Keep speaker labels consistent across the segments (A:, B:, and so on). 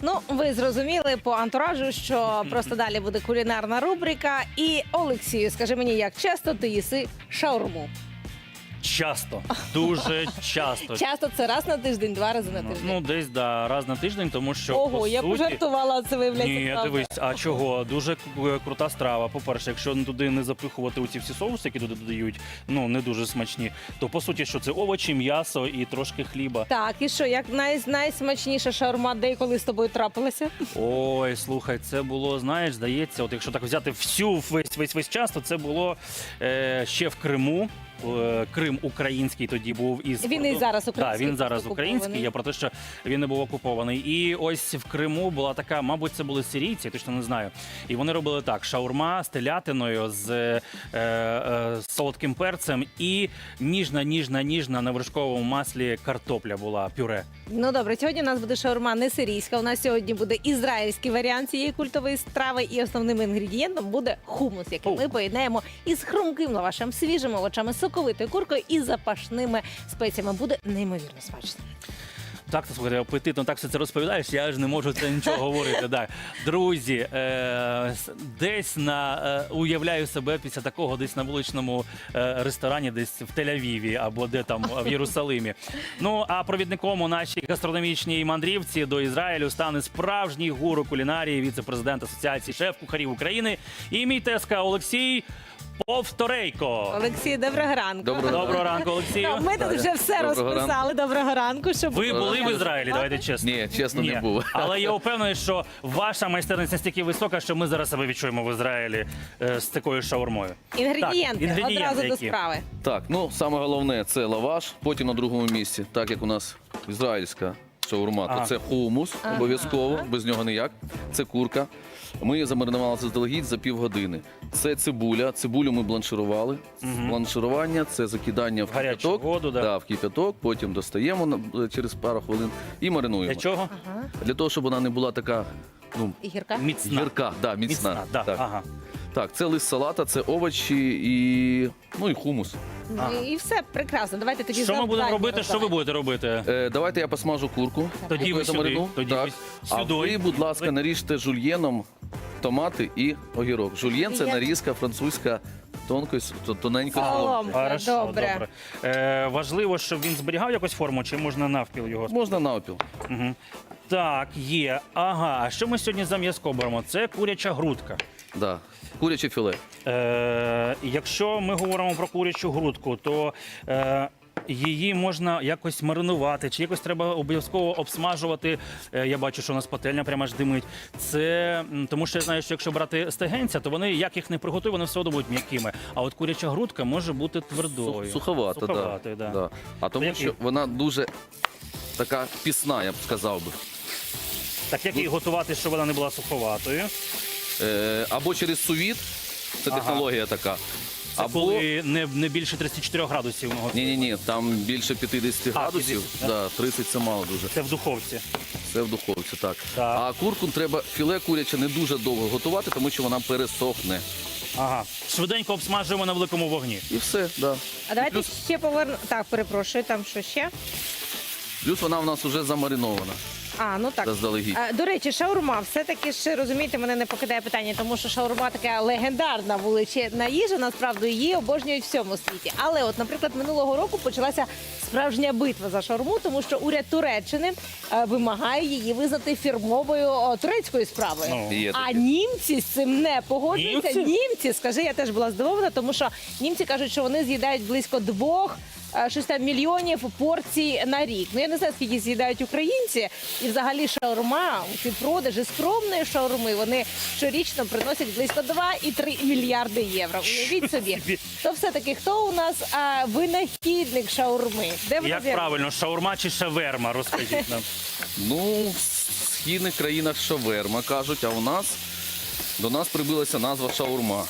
A: Ну, ви зрозуміли по антуражу, що просто далі буде кулінарна рубрика. І, Олексію, скажи мені, як часто ти їси шаурму?
B: Часто, дуже часто.
A: Часто це раз на тиждень, два рази на тиждень?
B: Ну, десь, да, раз на тиждень, тому що,
A: Ого,
B: по
A: я
B: суті...
A: пожартувала, а це виявляється
B: Ні,
A: правда.
B: дивись, а чого? Дуже крута страва. По-перше, якщо туди не запихувати оці всі соуси, які туди додають, ну, не дуже смачні, то, по суті, що це овочі, м'ясо і трошки хліба.
A: Так, і що, як найсмачніша шаурма, де і коли з тобою трапилася?
B: Ой, слухай, це було, знаєш, здається, от якщо так взяти весь час, то це було ще в Криму. Крим український тоді був із
A: Він і зараз український.
B: Так, він зараз
A: просто
B: український.
A: окупований.
B: Я про те, що він не був окупований. І ось в Криму була така, мабуть, це були сирійці, я точно не знаю. І вони робили так: шаурма з телятиною, з солодким перцем і ніжна на вершковому маслі картопля була, пюре.
A: Ну добре, сьогодні у нас буде шаурма не сирійська. У нас сьогодні буде ізраїльський варіант цієї культової страви. І основним інгредієнтом буде хумус, який ми поєднаємо із хрумким лавашем, свіжими овочами, соковитою куркою і запашними спеціями. Буде неймовірно смачно.
B: Так, слухайте, апетитно так все це розповідаєш, я ж не можу це нічого говорити. Да. Друзі, десь уявляю себе після такого десь на вуличному ресторані, десь в Тель-Авіві або де там в Єрусалимі. Ну, а провідником у нашій гастрономічній мандрівці до Ізраїлю стане справжній гуру кулінарії, віце-президент Асоціації шеф-кухарів України і мій тезка Олексій Повторейко.
A: Олексій, доброго ранку.
B: Доброго ранку, Олексію.
A: Ну, ми тут вже все
C: Доброго
A: розписали. Доброго ранку. Щоб
B: Ви були в Ізраїлі, давайте чесно.
C: Ні, чесно, не був.
B: Але я впевнений, що ваша майстерність настільки висока, що ми зараз себе відчуємо в Ізраїлі з такою шаурмою.
A: Інгредієнти,
B: Так,
A: одразу до
B: які?
A: справи.
C: Так, ну саме головне це лаваш, потім на другому місці, так як у нас ізраїльська шаурма,
B: Ага.
C: то це хумус, обов'язково, без нього ніяк. Це курка. Ми її замаринували заздалегідь за півгодини. Це цибуля. Цибулю ми бланширували. Бланширування це закидання в
B: Гарячу
C: кип'яток.
B: воду, да.
C: Да, в кип'яток, потім достаємо через пару хвилин і маринуємо.
B: Для чого?
A: Ага.
C: Для того, щоб вона не була така, ну,
A: І гірка?
B: Міцна.
C: гірка, да, міцна.
B: Да.
C: Так.
B: Ага.
C: Так, це лист салата, це овочі і хумус.
A: Ну, і все прекрасно. Давайте тоді
B: Що ми будемо
A: завдання
B: робити? Що ви
A: роздавати.
B: будете робити?
C: Давайте я посмажу курку.
B: Тоді
C: яку
B: ви
C: я
B: сюди,
C: замарину.
B: тоді
C: Так.
B: ви
C: А
B: сюди.
C: ви, будь ласка, наріжте жульєном томати і огірок. Жульєн – це
A: Жульєн.
C: нарізка французька тоненькою
A: Соломкою.
C: соломкою.
B: Хорошо,
A: добре.
B: Важливо, щоб він зберігав якусь форму, чи можна навпіл його?
C: Можна навпіл.
B: Угу. Так, є. Ага, а що ми сьогодні за м'язко беремо? Це куряча грудка.
C: Да. Куряче філе.
B: Якщо ми говоримо про курячу грудку, то її можна якось маринувати, чи якось треба обов'язково обсмажувати. Я бачу, що у нас пательня прямо аж димить. Це тому, що я знаю, що якщо брати стегенця, то вони, як їх не приготують, вони все одно будуть м'якими. А от куряча грудка може бути твердою.
C: Суховата,
B: Суховатою,
C: да.
B: да.
C: Да. А тому,
B: Які?
C: що вона дуже така пісна, я б сказав би.
B: Так як її готувати, щоб вона не була суховатою?
C: Або через сувіт, це
B: Ага.
C: технологія така.
B: Це
C: Або
B: коли не більше 34 градусів. ми готуємо.
C: ні, там більше 50 градусів.
B: 50,
C: Да, 30 це мало дуже.
B: Це в духовці.
C: Це в духовці, так.
B: Так.
C: А курку треба філе куряче не дуже довго готувати, тому що вона пересохне.
B: Ага. Швиденько обсмажуємо на великому вогні.
C: І все, да.
A: А давайте
C: Плюс,
A: ще поверну. Так, перепрошую, там що ще?
C: плюс вона в нас вже замаринована
A: А, ну так.
C: заздалегідь.
A: До речі, шаурма, все-таки ж, розумієте, мене не покидає питання, тому що шаурма така легендарна величезна їжа, насправді її обожнюють в всьому світі. Але от, наприклад, минулого року почалася справжня битва за шаурму, тому що уряд Туреччини вимагає її визнати фірмовою турецькою справою.
B: Ну,
C: Є
A: А
C: таке.
A: німці з цим не погоджуються.
B: Німці?
A: Скажи, я теж була здивована, тому що німці кажуть, що вони з'їдають близько 2 мільйонів порцій на рік. Ну я не знаю, скільки з'їдають українці. І взагалі шаурма, ці продажі скромної шаурми, вони щорічно приносять близько 2,3 мільярди євро. Уявіть собі. То все-таки хто у нас винахідник шаурми? Де вона
B: Як
A: з'явилася?
B: правильно, шаурма чи шаверма, розкажіть нам.
C: Ну, в східних країнах шаверма кажуть, а до нас прибилася назва шаурма.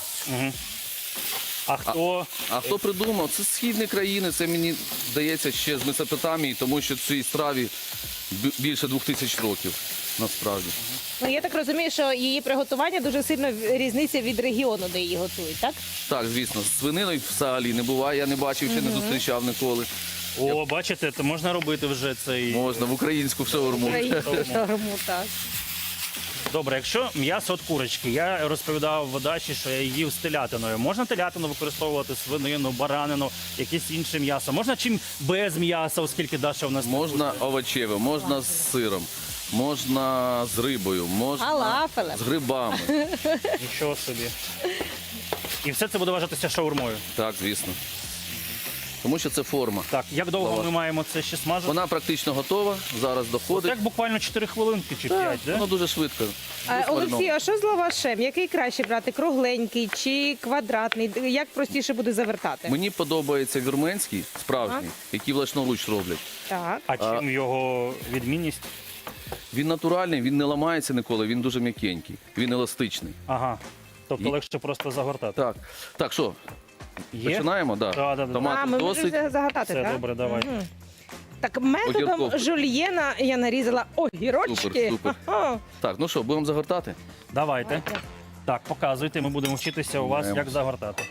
B: А
C: хто придумав? Це східні країни, це мені здається ще з Месопотамії, тому що цій страві більше 2000 років насправді.
A: Ну я так розумію, що її приготування дуже сильно різниця від регіону, де її готують, так?
C: Так, звісно, з свининою взагалі не буває, я не бачив, ще не зустрічав ніколи.
B: О, бачите, то можна робити вже цей...
C: Можна в українську шаурму.
A: Українську шаурму, так.
B: Добре, якщо м'ясо від курочки, я розповідав в дачі, що я їв з телятиною. Можна телятину використовувати, свинину, баранину, якесь інше м'ясо? Можна чим без м'яса, оскільки Даша у нас...
C: Можна овочеве, можна з сиром, можна з рибою, можна
A: Фалафелем.
C: з грибами.
B: Нічого собі. І все це буде вважатися шаурмою.
C: Так, звісно. Тому що це форма.
B: Так, як довго
C: Лаваш.
B: ми маємо це ще смажити?
C: Вона практично готова, зараз доходить.
B: Так буквально 4 хвилинки чи 5, да?
C: Воно дуже швидко.
A: Олексій, а що з лавашем? Який краще брати? Кругленький чи квадратний? Як простіше буде завертати?
C: Мені подобається вірменський, справжній, який власноруч роблять.
A: Так.
B: А чим його відмінність?
C: Він натуральний, він не ламається ніколи, він дуже м'якенький, він еластичний.
B: Ага. Тобто
C: І-
B: легше просто загортати.
C: Так, так, що,
B: Є?
C: починаємо? Да.
B: Да.
A: А,
C: Томатів
A: ми
C: досить.
A: можемо загадати,
B: Все,
A: так?
B: добре, давай.
A: Мгм. Так, методом
C: Огірков.
A: жульєна я нарізала огірочки.
C: Супер, супер.
A: Ага.
C: Так, ну що, будемо загортати?
B: Давайте. Так, показуйте, ми будемо вчитися у вас,
C: Маємо.
B: як загортати.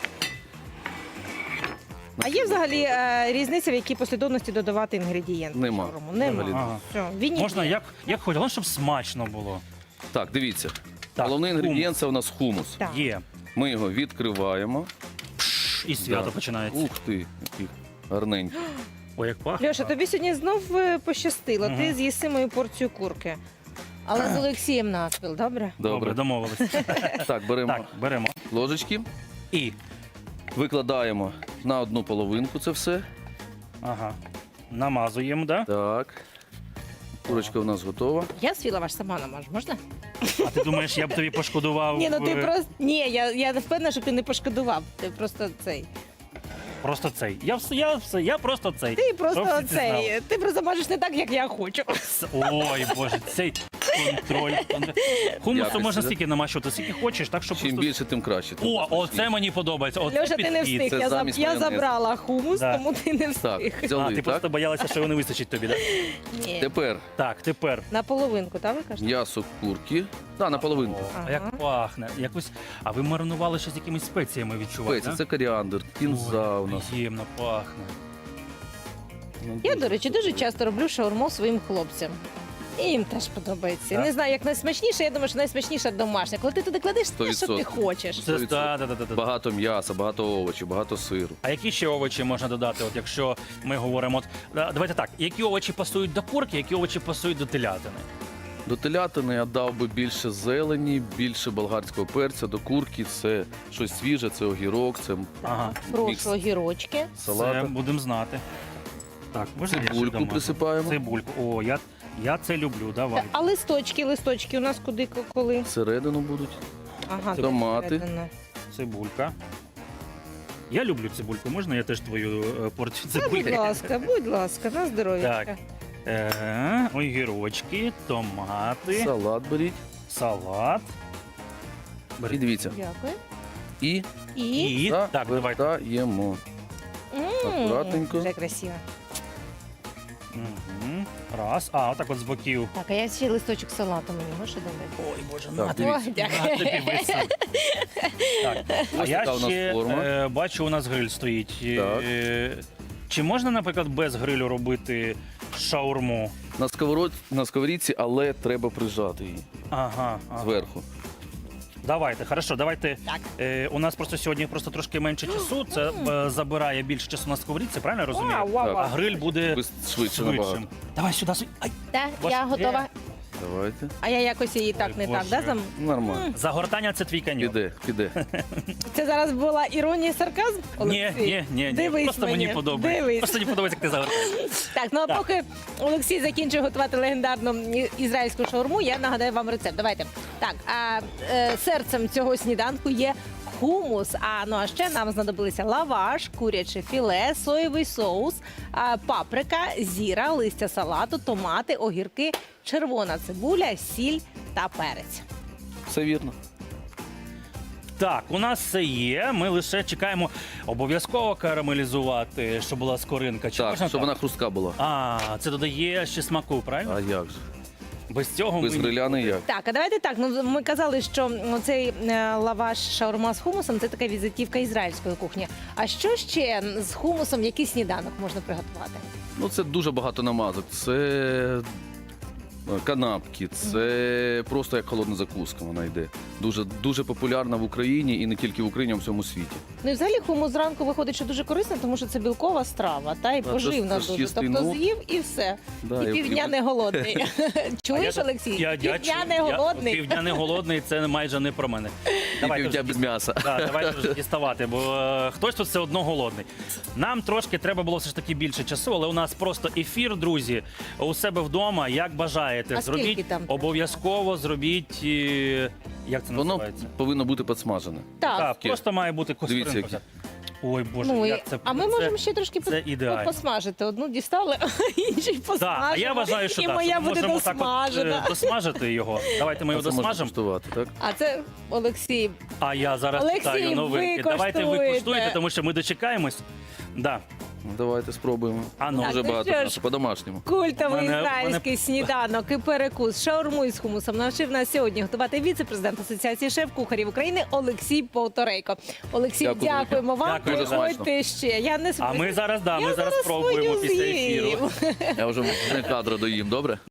A: А є взагалі різниця, в якій послідовності додавати інгредієнти?
C: Нема.
A: в шаурму? Нема.
C: Взагалі.
B: Ага.
A: Все, він
B: Можна
A: є.
B: як хоч, головне, щоб смачно було.
C: Так, дивіться.
B: Так,
C: Головний інгредієнт це у нас хумус.
A: Так.
B: Є.
C: Ми його відкриваємо.
B: І свято
C: Да.
B: починається.
C: Ух ти, який гарненький.
B: Ой, як пахне.
A: Льоша, тобі сьогодні знов пощастило. Ти
B: Мгм.
A: з'їси мою порцію курки. Але з Олексієм навпіл, добре?
B: Добре,
C: Добре.
B: домовились.
C: Так, беремо
B: Так, беремо.
C: ложечки,
B: І.
C: викладаємо на одну половинку це все.
B: Ага. Намазуємо, да?
C: Так. Курочка у нас готова.
A: Я свій лаваш сама намажу, можна?
B: А ти думаєш, я б тобі пошкодував?
A: Ні, ну ти
B: е,
A: просто. Ні, я не впевнена, що ти не пошкодував. Ти просто цей.
B: Просто цей. Я просто цей.
A: Ти
B: Щоб
A: просто
B: всі це знали.
A: цей. Ти просто можеш не так, як я хочу.
B: Ой, Боже, цей контроль. Хумусу
C: Якості,
B: можна
C: да?
B: стільки намащувати, скільки хочеш, так що
C: Чим
B: просто...
C: більше, тим краще. тим
B: О,
C: смачніше.
B: оце мені подобається. Оце
A: Льоша, ти не
B: підхід.
A: встиг.
C: Це замість
A: Я
C: майонезу.
A: забрала хумус,
B: Да.
A: тому ти не
C: Так,
A: встиг.
B: А,
C: взяли,
B: ти просто
C: так?
B: боялася, що його не вистачить тобі, так?
A: Ні.
C: Тепер
B: Так, тепер.
A: На половинку, так ви кажете?
C: м'ясо курки. Так, на половинку.
B: О,
A: Ага.
B: а як пахне. Якось... А ви маринували ще з якимись спеціями відчуваєте?
C: Спеції, це коріандр, кінза у нас.
B: Приємно пахне.
C: Ну,
A: Я,
C: дуже
A: до речі, дуже
C: смачно.
A: часто роблю шаурму своїм хлопцям. І їм теж подобається.
B: Так.
A: Не знаю, як найсмачніше, я думаю, що найсмачніше домашня. Коли ти туди кладеш те, що ти
C: 100%.
A: хочеш.
B: Це
C: 100%.
B: да.
C: Багато м'яса, багато овочів, багато сиру.
B: А які ще овочі можна додати, от якщо ми говоримо, от, давайте так, які овочі пасують до курки, які овочі пасують до телятини?
C: До телятини я дав би більше зелені, більше болгарського перця. До курки це щось свіже, це огірок, це
B: Ага,
C: мікс
A: Прошу огірочки.
B: це
C: салата.
B: будемо знати. Так, можна я ще
C: Цибульку
B: домажу?
C: присипаємо.
B: Цибульку. О, я це люблю, давай.
A: А листочки у нас куди, коли?
C: Всередину будуть.
A: Ага,
C: Томати.
A: всередину.
B: Цибулька. Я люблю цибульку, можна я теж твою порцію
A: Та,
B: цибульки?
A: будь ласка, на здоров'я.
B: Так. Огірочки, томати,
C: Салат беріть.
B: салат.
C: І
B: Бери.
C: дивіться.
A: Дякую.
C: І
B: І, так, давайте.
C: завертаємо. Акуратненько.
A: Вже красиво.
B: Угу. Раз. А, отак от з боків.
A: Так, а я ще листочок салату мені можеш додати?
B: Ой, Боже,
C: Так,
B: на тобі.
A: Ой, дякую.
B: На тобі висить. Так. А
C: Ось
B: я
C: така у нас
B: ще
C: форма.
B: бачу, у нас гриль стоїть.
C: Так.
B: Чи можна, наприклад, без грилю робити шаурму?
C: На сковорідці, але треба прижати її
B: Ага.
C: зверху.
B: Давайте, хорошо, давайте.
A: Так.
B: У нас просто сьогодні просто трошки менше часу. Це забирає більше часу на сковорідці, правильно я розумію?
A: Вау, вау,
C: Так.
B: А
A: вау.
B: гриль буде
C: Швидше набагато.
B: швидшим. Давай сюди. Ай.
A: Так,
B: Ваш-
A: я готова.
C: Давайте.
A: А я якось її так
B: Ой,
A: не так,
B: Боже.
A: да?
C: Нормально.
B: Загортання це твій каньйон.
C: Піде.
A: Це зараз була іронія і сарказм? Олексій?
B: Ні.
A: Дивись
B: Просто мені
A: мені,
B: подобається.
A: дивись.
B: Просто мені подобається, як ти загортаєш.
A: Так, ну а
B: Так.
A: поки Олексій закінчує готувати легендарну ізраїльську шаурму, я нагадаю вам рецепт. Давайте. Так, серцем цього сніданку є хумус. А ще нам знадобилися лаваш, куряче філе, соєвий соус, паприка, зіра, листя салату, томати, огірки, червона цибуля, сіль та перець.
C: Все вірно.
B: Так, у нас все є. Ми лише чекаємо обов'язково карамелізувати, щоб була скоринка. Чи
C: Так,
B: можна
C: щоб
B: так?
C: вона хрустка була.
B: А, це додає ще смаку, правильно?
C: А як же?
B: Без цього
C: Без
B: ми...
C: гриля не як.
A: Так, а давайте так. Ну ми казали, що цей лаваш шаурма з хумусом це така візитівка ізраїльської кухні. А що ще з хумусом, який сніданок можна приготувати?
C: Ну це дуже багато намазок. Це канапки. Це просто як холодна закуска вона йде. Дуже, дуже популярна в Україні і не тільки в Україні, а в всьому світі.
A: Ну і взагалі хумус зранку виходить, що дуже корисно, тому що це білкова страва, та і
C: це
A: поживна
C: ж
A: дуже.
C: чистий
A: Тобто
C: нут.
A: з'їв і все.
C: Да,
A: І півдня не голодний. Чуєш, Олексій? Півдня не голодний.
B: Півдня не голодний, це майже не про мене.
C: І півдня без м'яса.
B: Давайте вже діставати, бо хтось тут все одно голодний. Нам трошки треба було все ж таки більше часу, але у нас просто ефір, друзі, у себе вдома, як бажаєте.
A: А скільки
B: Зробіть,
A: там треба?
B: обов'язково зробіть, як це
C: Воно
B: називається?
C: повинно бути підсмажене.
A: Так.
B: Так, просто має бути
C: Дивіться,
B: костринка. Ой, Боже,
A: Ну, і-
B: як це
A: а ми
B: це-
A: можемо ще трошки
B: це ідеально.
A: посмажити. Одну дістали, а інший посмажимо.
B: Так, а я вважаю, що
A: і
B: так,
A: моя
B: що ми
A: буде
B: можемо так от,
A: досмажена.
B: досмажити його. Давайте ми його
C: Це можна
B: досмажимо.
C: куштувати, так?
A: А це, Олексій,
B: А я зараз
A: Олексій,
B: питаю новинки.
A: ви
B: Давайте ви
A: коштуєте.
B: куштуєте, тому що ми дочекаємось. Да.
C: Ну, давайте спробуємо.
B: А ну.
C: Дуже
A: Так, ну
C: багато
A: що ж.
C: м'яса, по-домашньому.
A: культовий
B: Мене-
A: ізраїльський сніданок і перекус шаурму із хумусом навчив нас сьогодні готувати віце-президент Асоціації шеф-кухарів України Олексій Повторейко. Олексій,
C: Дякую,
A: дякуємо вам.
B: Дякую, дуже
A: Приходьте ще. Я не
B: А ми зараз,
A: Я
B: ми зараз
A: зараз
B: спробуємо
A: свою
B: після
A: з'їм.
B: ефіру.
C: Я вже не кадро доїм, добре?